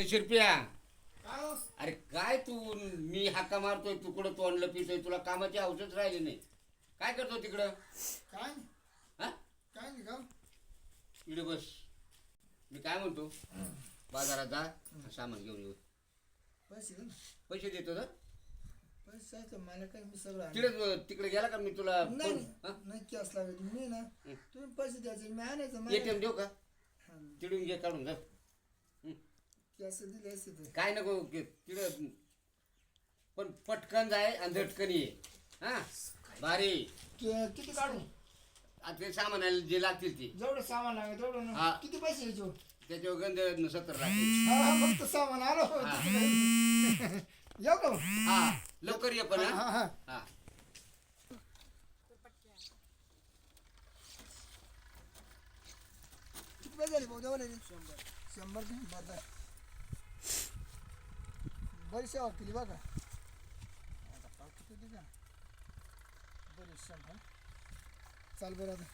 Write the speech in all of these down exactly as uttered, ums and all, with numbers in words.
शिरप्या, काय हो? अरे काय तू, मी हाका मारतोय तू कुठं तोंडलं पितोय, तुला कामाची औषध राहिली नाही. काय करतो तिकडं? काय नाही, हा काय नाही का इकडे बस. मी काय म्हणतो, बाजारात जा सामान घेऊन येऊ. पैसे दे ना. पैसे देतो तर पैसे तर मला काय मी सगळं आणलं. तिकडे तिकडे गेला का मी तुला नाही फोन- हा? नाही कॅश लागेल मी ना हं. तुम्ही पैसे द्यायचे मी आणायचं एटीएम देऊ का? तिकडून घे काढून जा. कॅश दिले असते तर काय नको तिकडं, पण पटकन जाय आणि झटकन ये. हा भारी. कि- किती काढू आता ते सामान जे लागतील ते जेवढं सामान लागेल तेवढं ना. हा. किती पैसे घ्यायचे त्याच्यावर गंध सत्तर लागतील. हा हा, फक्त सामान आलो येऊ का मग? हा लवकर ये पण. हा हा हा हा किती पैसे झाले भाऊ जेवढे शंभर शंभर का? बरं आहे. बरी सेवा केली बघा. आता पाव किती दिली का बरी शंभर. चाल बरं आता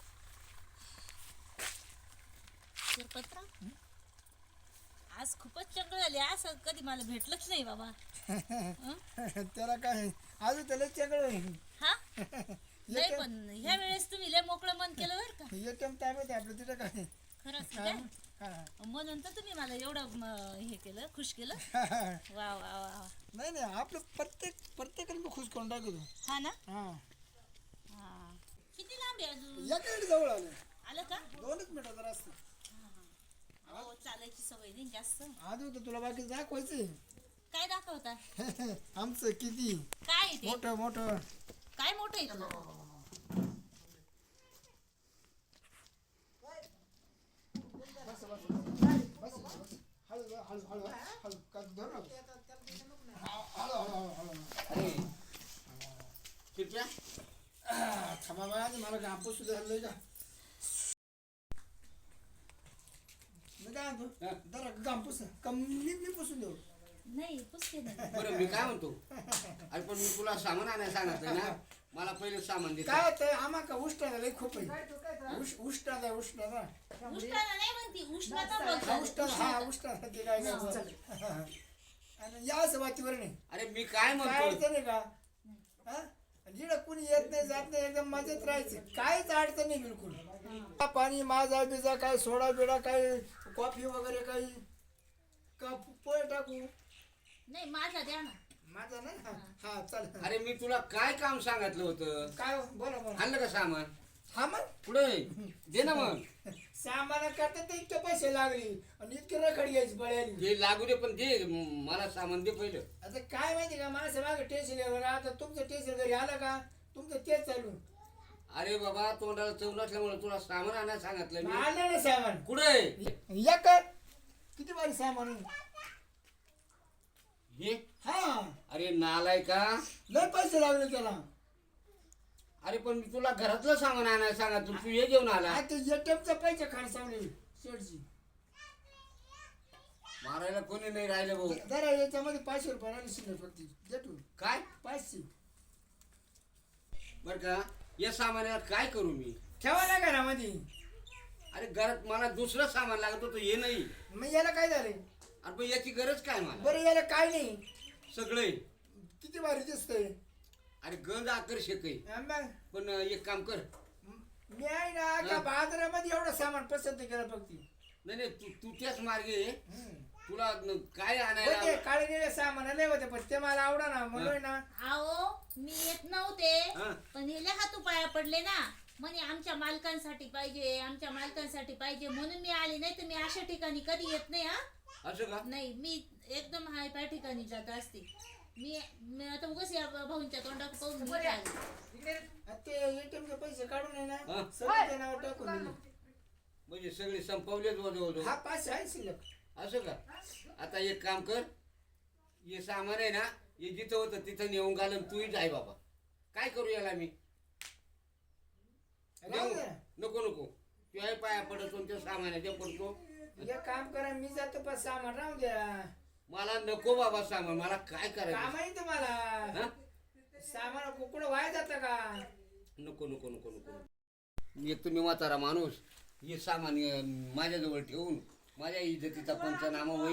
शिरपतराव, आज खूपच चंगळ झाली. असं कधी मला भेटलंच नाही बाबा. हं? त्याला काय अजून त्याला चेकळ हा नाही, पण ह्या वेळेस तुम्ही लय मोकळं मन केलं बरं का. एटीएम टाइम आहे आपलं तिथं काय खरंच हा, काय हा, हा. म्हणून तर तुम्ही मला एवढं म, हे केलं, खुश केलं. वा वा वा वा. नाही नाही आपलं प्रत्येक प्रत्येकाने मी खुश करून टाकतो. हा ना. हा हा किती लांब आहे अजून? या काही जवळ आलं आलं का? दोनच मिनिटं जरा असतं. हो, चालायची सवय नाही जास्त. अजून तर तुला बाकी दाखवायचं काय दाखवता? आमचं किती काय आहे ते? मोठं मोठं. काय मोठं आहे तुला? बस बस बस बस हळू हळू हळू हळू का धरू नका. हळू हळू हळू हळू अरे शिरप्या, आ, थांबा बाळा मला घापूस सुद्धा हल्लंय का. मी काय म्हणतो हा. जरा घापूस कमी मी पुसून देऊ. नाही, पुसते नाही. बरं मी काय म्हणतो, अरे पण मी तुला सामान आणायला सांगितलं ना, मला पहिले सामान दे. काय होतंय आम्हाला उष्णता लई खूप आहे. उष्- उष्णता उष्णता उष्णता नाही म्हणती, उष्णता हा बोलतात. उष्णता हा उष्णता ते काय काय आणि या असं वातीवर नाही अरे मी काय काय म्हणतो, अडचण आहे का हा? जिकडं कुणी येत नाही जात नाही एकदम मजेत राहायचं. काहीच अडचण नाही बिलकुल. पाणी माझा बिजा काय सोडा बिडा काय कॉफी वगैरे काही का पोहे टाकू नाही, माझा द्या ना. माझा नाही हा हा चाल अरे मी तुला काय काम सांगितलं होतं, काय हो? बोला बोला आणलं का सामान? हा मग पुढे दे ना मग. सामान करता तर इतके पैसे लागले आणि इतके रखड घ्यायची बळ्याली. दे लागू दे, पण दे म- मला सामान दे पहिलं. आता काय माहिती का माझं मागं टेन्शन आहे. आता तुमचं टेन्शन घरी आलं का तुमचं तेच चालू. अरे बाबा तोंडाला चव नसल्यामुळे तुला सामान आणायला सांगितलं मी. आलं ना सामान कुठे या कर किती बारी सामान आहे? हे? हा अरे नालाय का, लय पैसे लागले त्याला. अरे पण मी तुला घरातलं सामान आणायला सांगितलं, तू हे घेऊन आला. आता एटीएमचा पैसे खर्चावले शेडची. मारायला कोणी नाही राहिलं भाऊ. जरा याच्यामध्ये पाचशे रुपये राहिले शिल्लक फक्त जटू काय पाचशे बर का, या सामानावर काय करू मी? ठेवा ना घरामध्ये. अरे घरात मला दुसरं सामान लागत होतं, हे नाही. मग याला काय झाले अरे पण याची गरज काय मला? बरं याला काय नाही सगळे किती भारी दिसतंय. अरे गंज आकर्षक आहे. हा मग पण एक काम कर, मी आहे ना का बाजारामध्ये एवढं सामान पसंत केलं फक्त. नाही नाही तू तू त्याच मार्गे ये. हम्म. तुला न- काय होते आणायला? काळे निळे सामान लय होते पण ते मला आवडा ना म्हणून ना. आओ, मी येत नव्हते, हा. पण हे हातू पाया पडले ना. म्हणे आमच्या मालकांसाठी पाहिजे, आमच्या मालकांसाठी पाहिजे, म्हणून मी आली. नाही तर मी अशा ठिकाणी कधी येत नाही. हा असं का? नाही, मी एकदम हाय पाय ठिकाणी जात असते. मी मी आता उगाच या भाऊंच्या तोंडात पाहून मी काय आले. आ ते एटीएमचे पैसे काढून आहे हा. ना सगळं त्या नावावर टाकून दिले. म्हणजे सगळे संपवलेच वजवतो. हा पाचशे आहे शिल्लक. असं का? आता एक काम कर, हे सामान आहे ना, हे जिथं होतं तिथं नेऊन घालून तूही जाय बाबा. काय करू याला मी? राहू दे ना. नको नको, तुझ्या पाया पडतो त्या सामानाच्या पडतो. एक काम करा मी जातो पण सामान राहू द्या. मला नको बाबा सामान, मला काय काम करायचं? आहे तुम्हाला हा? सामान कुकडं वाया जातं का. नको नको नको नको. एक तुम्ही म्हातारा माणूस, हे सामान अं, माझ्याजवळ ठेवून माझ्या इज्जतीचा पंचनामा होईल,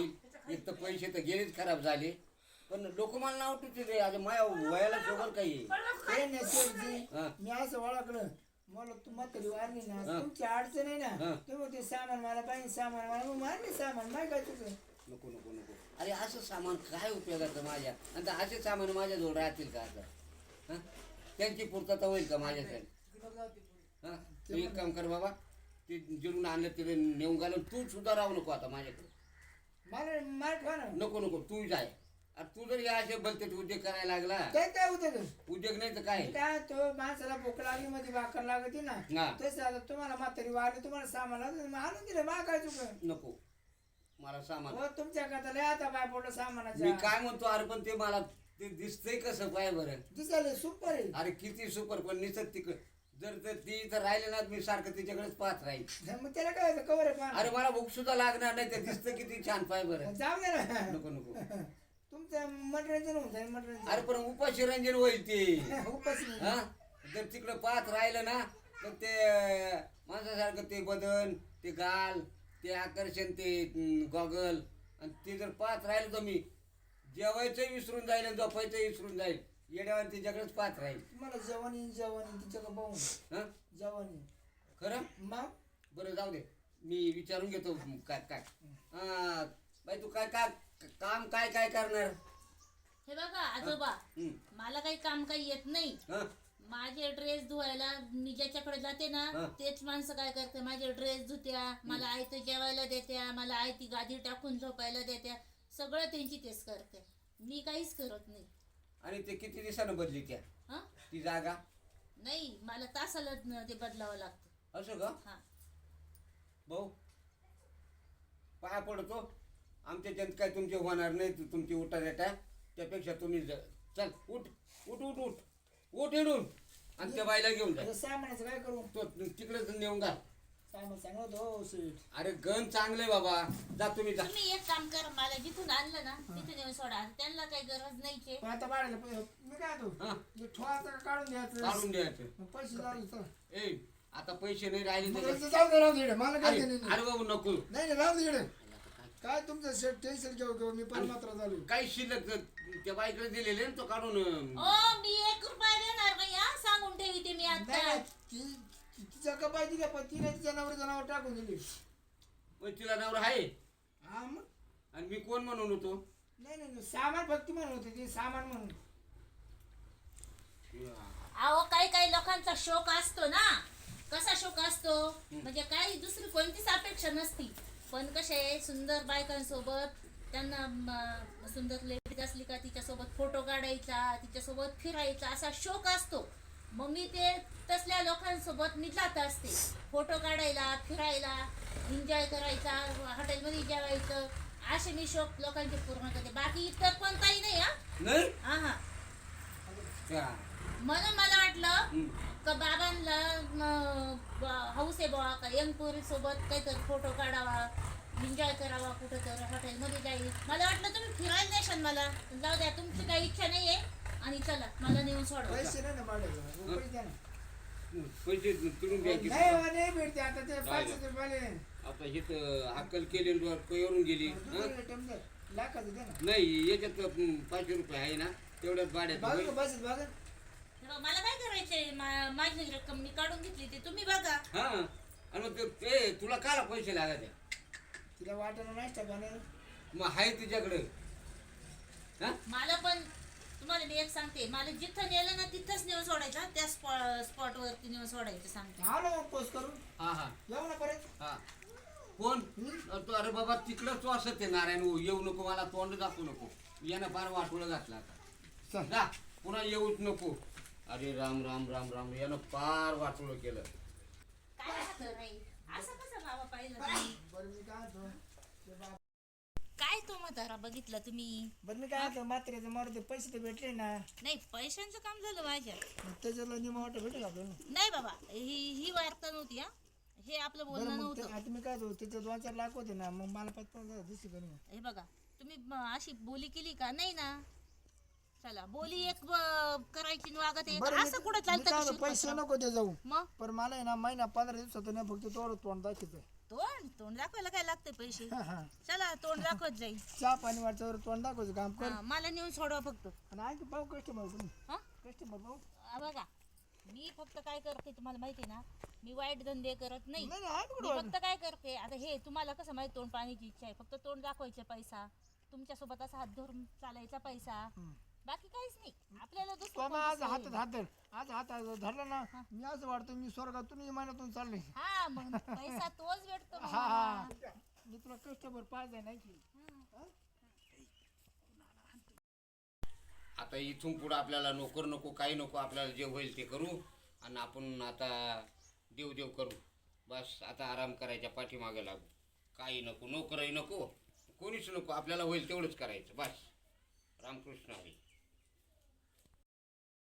एक तर पैसे तर गेलेच खराब झाले पण लोक मला नाव ठेवते रे आज माझ्या वयाला जोगर काही हे नसेल हा. मी असं ओळखलं मला तू म्हातारी वारली ना हा. तुमची अडचण आहे हा. ना तुम्ही ते सामान मला पाहिजे सामान मला मग मारले सामान माय काय तुझं नको नको नको अरे असं सामान काय उपयोगाचं माझ्या आणि असे सामान माझ्याजवळ राहतील का आता हं? त्यांची पूर्तता होईल का माझ्याकडे हां तू एक काम कर बाबा ते जिरून आणलं तिथे नेऊन घालून तू सुद्धा राहू नको आता माझ्याकडे मला मार ठेवा ना नको नको तू जाय अरे तू जर या असे भलते उद्योग करायला लागला काय काय होतं ते? उद्योग नाही तर काय काय तो माणसाला भूक लागली मध्ये भाकर लागते ना हा. तसं आता तुम्हाला म्हातारी वारली तुम्हाला सामान लागतं, मग आणून दिलं मा काय चुक नको मला सामान हो तुमच्या खाता लय आता बाय पडलं मी सामानाच्या काय म्हणतो अरे पण ते मला ते दिसतंय कसं पाय बरं दिसायला सुपर आहे अरे किती सुपर पण निसत तिकड जर तर ती इथं राहिले ना मी सारखं तिच्याकडेच पाहत राहील मग त्याला काय होतं कवर आहे पाहा. अरे मला भूक सुद्धा लागणार नाही ते दिसतं किती छान पाय बरं जाऊ दे ना नको नको तुमचं मनोरंजन होऊन जाईल मनोरंजन अरे पण उपाशी रंजन होईल ते उपास नाही. हा जर तिकडं पाहत राहिलं ना तर ते माणसासारखं ते बदन ते गाल ते आकर्षण ते गॉगल आणि ते जर पाहत राहिलं तर मी जेवायचं विसरून जाईल आणि झोपायचं विसरून जाईल येड्यावर तिच्याकडेच पाहत राहील तुम्हाला जवानी जवानी तिच्याकडे पाहून हा जवानी खरं मग बरं जाऊ दे मी विचारून घेतो काय काय हा बाई तू काय काय काम काय काय करणार हे बघा आजोबा हं. मला काही काम काही येत नाही हा माझे ड्रेस धुवायला मी ज्याच्याकडे जाते ना हा. तेच माणसं काय करते माझे ड्रेस धुत्या मला आयतं जेवायला देत्या मला आयती गादी टाकून झोपायला देत्या सगळं त्यांची तेच करते मी काहीच करत नाही आणि ते किती दिवसानं बदली त्या हा ती जागा नाही मला तासाला न- ते बदलावं लागतं असं का हा भाऊ पाया पडतो आमच्या ज्यांत काय तुमचे होणार नाही तु- तुमची उठा रेटा त्यापेक्षा तुम्ही ज- चल उठ उठ उठ उठ उठ इडून आणि त्या बाईला घेऊन जा आता सामानाचं काय करू तो तिकडेच नेऊन घाल सामान सांगत हो सीट अरे गण चांगले बाबा जा तुम्ही जा तुम्ही एक काम करा मला जिथून आणलं ना तिथून येऊन सोडा त्यांना काही गरज नाहीचे पण आता बाळाला पै- मी काय तो हा ठोवायचं का काढून द्यायचं काढून द्यायचं मग पैसे झाले तर ए आता पैसे नाही राहिले मग तर ते जाऊ दे राहू दे इकडे. मला काय अरे देणं नाही. अरे बाबू नको नाही नाही राहू दे इकडे. काय तुमचं शेट टेन्शन घेऊ घेऊ मी पण मात्र झालो काही शिल्लक जर त्या बाईकडे दिलेले ना तो काढून ओ मी एक रुपया देणार नाही हा सांगून ठेवी ते मी नाही आता नाही, ती ती- तिच्या कपाय दिल्या पण तिने तिच्या नवर जनावर टाकून दिली मग तिला नवरा आहे हा मग आणि मी कोण म्हणून होतो नाही नाही नाही, सामान फक्त म्हणून होते ते सामान म्हणून अहो काही काही लोकांचा शोक असतो ना कसा शोक असतो म्हणजे काही दुसरी कोणतीच अपेक्षा नसती पण कसे सुंदर बायकांसोबत त्यांना म, सुंदर लेडीज असली का तिच्यासोबत फोटो काढायचा तिच्यासोबत फिरायचा असा शोक असतो मग मी ते तसल्या लोकांसोबत मी जात असते फोटो काढायला फिरायला एन्जॉय करायचा हॉटेलमध्ये जेवायचं असे मी शोक लोकांचे पूर्ण करते बाकी इतर कोणताही नाही हा नाही हा हा हा. म्हणून मला वाटलं हम्म. का बाबांना हाऊस आहे बुवा का यंग पोरी सोबत काहीतरी फोटो काढावा एन्जॉय करावा कुठं तर हॉटेलमध्ये जाईल मला वाटलं तुम्ही फिरायला नेशाल मला जाऊ द्या तुमची काही इच्छा नाही आहे आणि चला मला नेऊन सोडवा पैसे नाही ना भाड्याचं पैसे द्या ना पैसे तुडून द्यायचे नाही हो, नाही भेटते आता ते पाचशे रुपयाले आता इथं अक्कल केली येऊन गेली हं? दुसरीकडे टेम्पल लाखाचं द्या ना नाही याच्यात अं, पाचशे रुपये आहे ना तेवढ्यात भाड्यात बघा होईल. बस बघा तेव्हा मला काय करायचंय मा- माझी रक्कम मी काढून घेतली ते तुम्ही बघा हा आणि मग ते ए, तुला काला पैसे लागायचे तिला वाटणं नाश्ता बनायला मग आहे तिच्याकडे हा मला पण तुम्हाला मी एक सांगते मला जिथं नेलं ना तिथंच नेऊन सोडायचं त्या स्पॉ स्पॉट वरती नेऊन सोडायचं सांगते आलो मग पोस्ट करून हा हा येऊ ना परत हा कोण तो अरे बाबा तिकडंच तू असत आहे नारायण हो, येऊ नको मला तोंड दाखवू नको यानं फार वाटोळं घातलं आता चल जा पुन्हा येऊच नको अरे राम राम राम राम यानं फार वाटोळं केलं काय राहतं नाही असं कसं बाबा पाहिलं तुम्ही? बरं मी काय म्हणतो ते बा- काय तो म्हातारा बघितलं तुम्ही बरं मी काय म्हणतो मात्रेचं मारुती पैसे तर भेटले ना नाही पैशांचं काम झालं माझ्या मग त्याच्यातला निमा वाटत भेटेल आपल्याला नाही बाबा ही ही वार्ता नव्हती हा हे आपलं बरं बोलणं मग ते- नव्हतं आता मी काय म्हणतो त्याचे दोन चार लाख होते ना मग मला पाच पाच हजार दिसते का नाही हे बघा तुम्ही म- अशी बोली केली का नाही ना चला बोली एक ब- करायची आणि वागत एक बरं मी- असं कुठं मी काय चालतं म्हणतो, का पैसे शिरपतराव? नको ते जाऊ मग पण मला आहे ना महिना पंधरा दिवसात नाही फक्त तेवढं तोंड दाखवायचं तोंड तोंड दाखवायला काय लागते पैसे हा, हा. चला तोंड दाखवत जाईल चहा पाणी वाटच्यावर तोंड दाखवायचं काम कर. हा, मला नेऊन सोडवा फक्त आणि आणखी पाहू कस्टमर तुम्ही हा कस्टमर पाहू. आ, बघा मी फक्त काय करते तुम्हाला माहिती आहे ना मी वाईट धंदे करत नाही नाही नाही, आहे मी कुठं फक्त काय करते आता हे तुम्हाला कसं माहिती तोंड पाण्याची इच्छा आहे फक्त तोंड दाखवायचे पैसा तुमच्यासोबत असा हात धरून चालायचा पैसा बाकी काहीच नाही आपल्याला तो दुसरं मग आज कोणतं हातात सोय हात धर. आज हात धरला ना मी असं वाटतं मी स्वर्गातून इमानातून चालले. नाही. हा मग पैसा तोच भेटतो मग हा हा मला. मी तुला कस्टमर पाहिजे नाही की. आता इथून पुढं आपल्याला नोकर नको काही नको आपल्याला जे होईल ते करू आणि आपण आता देव देव करू बस आता आराम करायच्या पाठीमागे लागू काही नको नोकरही नको कोणीच नको आपल्याला होईल तेवढंच करायचं बस रामकृष्ण हरी.